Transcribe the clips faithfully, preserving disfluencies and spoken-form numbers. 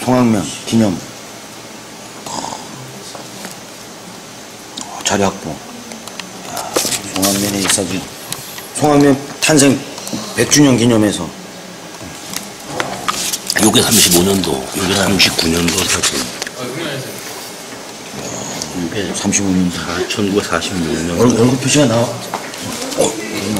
송악면 기념. 어, 자리 확보. 야, 송악면의 이 사진. 송악면 탄생 백 주년 기념해서. 요게 삼십오 년도, 요게 삼십구 년도 사진. 이게 삼십오 년도. 천구백사십육 년. 얼, 얼굴 표시가 나와. 어,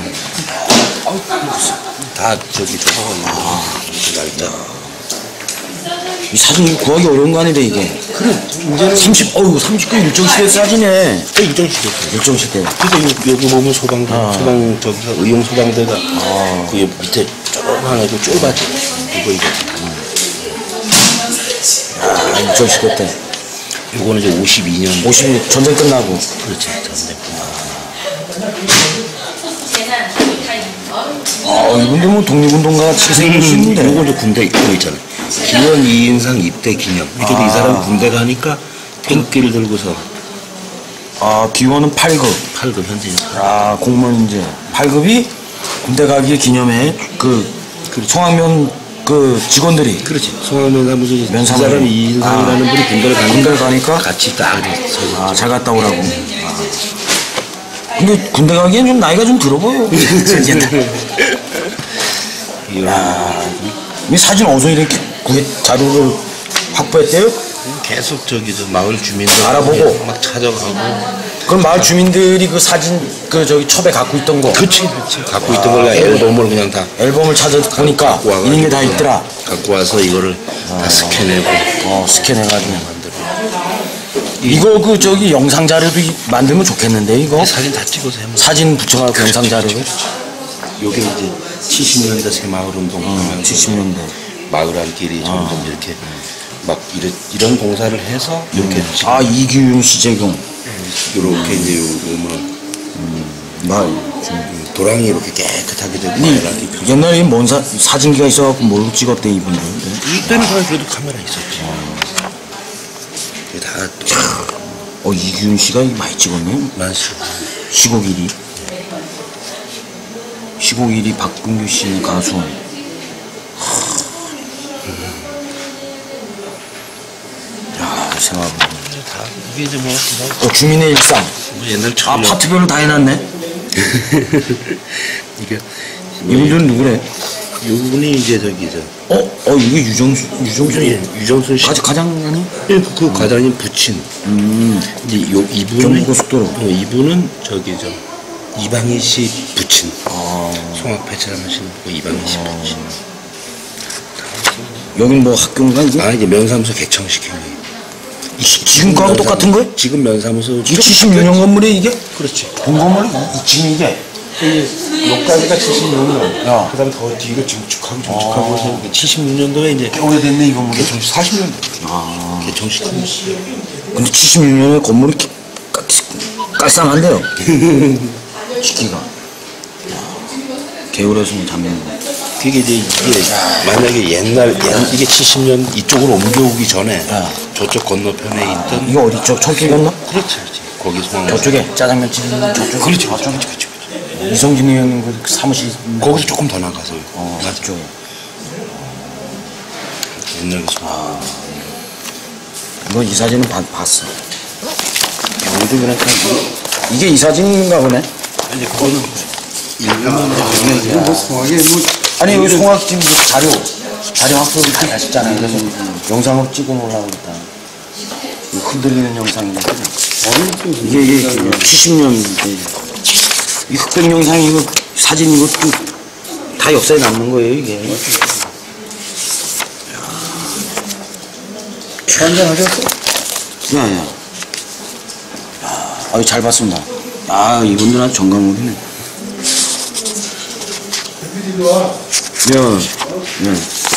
다 저기 저거 아, 날짜. 이 사진 구하기 어려운 거 아니래 이게. 그래. 이제는 삼십, 어우 삼십구 일정시대 사진이네. 일정시대. 일정시대. 그래서 여기 보면 소방대, 아. 소방 저기서 의용 소방대가 아. 그 밑에 조그만 애도 쫄바지. 이거 이거. 아, 일정시대 때. 요거는 이제 오십이 년. 오십이 전쟁 끝나고. 그렇지, 전쟁 끝나고. 아, 이분들 뭐 독립운동가 같이 생기시는데. 요거 이제 군대 있고 있잖아. 기원 이인상 입대 기념. 이렇게 아. 이 사람 군대 가니까 태극기를 들고서. 아, 기원은 팔 급. 팔 급 현재. 아, 공무원 이제 팔 급이 군대 가기 기념에 그, 그 송악면 그 직원들이. 그렇지. 송악면 사무소 이 면사무소. 사람 이인상이라는 아. 분이 군대를 가니까, 군대를 가니까 같이 딱 서. 아, 잘 갔다 오라고. 아. 근데 군대 가기엔 좀 나이가 좀 들어 보여. 야, 이 사진 어디서 이렇게 구해, 자료를 확보했대요? 계속 저기 저 마을 주민들 알아보고. 막 찾아가고. 그럼 마을 주민들이 그 사진 그 저기 첩에 갖고 있던 거. 그치, 그치. 갖고 있던 걸 앨범을 그냥 다 앨범을 찾아 보니까 있는 게 다 있더라. 갖고 와서 이거를 다 스캔해고. 어, 스캔해가지고 만들어. 이거 그 저기 영상 자료도 이- 만들면 좋겠는데 이거. 사진 다 찍어서 해면. 사진 붙여가지고 영상 자료를. 요게 이제 칠십 년대 새마을 운동 하면서 칠십 년대. 마을 안길이 점점 이렇게 막 이런, 이런 공사를 해서 이렇게 지금 아, 이규윤 시재경. 이렇게 이제 요, 뭐 마, 도랑이 이렇게 깨끗하게 되고 이, 마을안길 표- 옛날에 뭔 사, 사진기가 있어갖고 뭘로 찍었대 이분들. 이때는 사실 그래도 카메라 있었지. 이게 다 어, 이규윤 씨가 많이 찍었네. 많지. 시곡 일 위. 시곡 일 위 박근규 씨 가수. 야, 생각해보면. 다 이게 이제 뭐, 어, 주민의 일상. 뭐 옛날 아, 처음 파트별로 다 해놨네. 이게 이분들은 누구래? 이분이 이제 저기 저 어? 어, 이게 유정수, 유정수. 예, 유정순 씨. 가, 가장 아니? 예, 그, 그 과장님 부친. 음. 이제 요 이분은 경부고속도로. 어, 이분은 저기 저 이방희 씨 부친. 아. 송악배처럼 하시는 그 이방희 씨 부친. 여긴 뭐 학교인가 이게? 아 이제 면사무소 개청시킨 거예요. 이, 지금 거하고 똑같은 거야? 지금 면사무소. 이 칠십육 년 건물이 이게? 그렇지. 본 건물이 이, 지금 이게? 여기까지가 칠십육 년. 야. 그 다음에 더 뒤로 증축하고 증축하고 해서 칠십육 년도에 이제 꽤 오래됐네 이 건물이. 개청식 사십 년도. 아. 개청시킨 거예요. 근데 칠십육 년에 건물이 기- 깔- 깔쌈한데요. 시기가. 개울에서는 잠면. 그게 이제 이게 만약에 옛날 옛, 이게 칠십 년 이쪽으로 옮겨오기 전에 야. 저쪽 건너편에 있던 이거 어디 쪽? 청길 건너? 그렇지 그렇지 거기 송악 저쪽에 짜장면집 있는 저쪽. 그렇지 그렇지 그렇지 그렇지 이성진이 형님 그 사무실. 거기서 조금 더 나가서 어, 맞아 저쪽에. 옛날 그 송악 이거 이 사진은 봐, 봤어. 여기도 그러니까 이게 이 사진인가 보네. 이제 그거는 일부는 이제 이거 뭐 송악이 뭐 아니 여기 송악 지금 뭐 자료 자료 확보를 많이 하셨잖아요. 그래서 영상으로 찍어 놓으려고 했다. 이거 흔들리는 영상인데 이게 이게 칠십 년 이 흑백 영상 이거 사진 이거 다 역사에 남는 거예요 이게. 한잔하셨어? 야야. 아유 잘 봤습니다. 아 이분들 아주 정강물이네. 야, 야.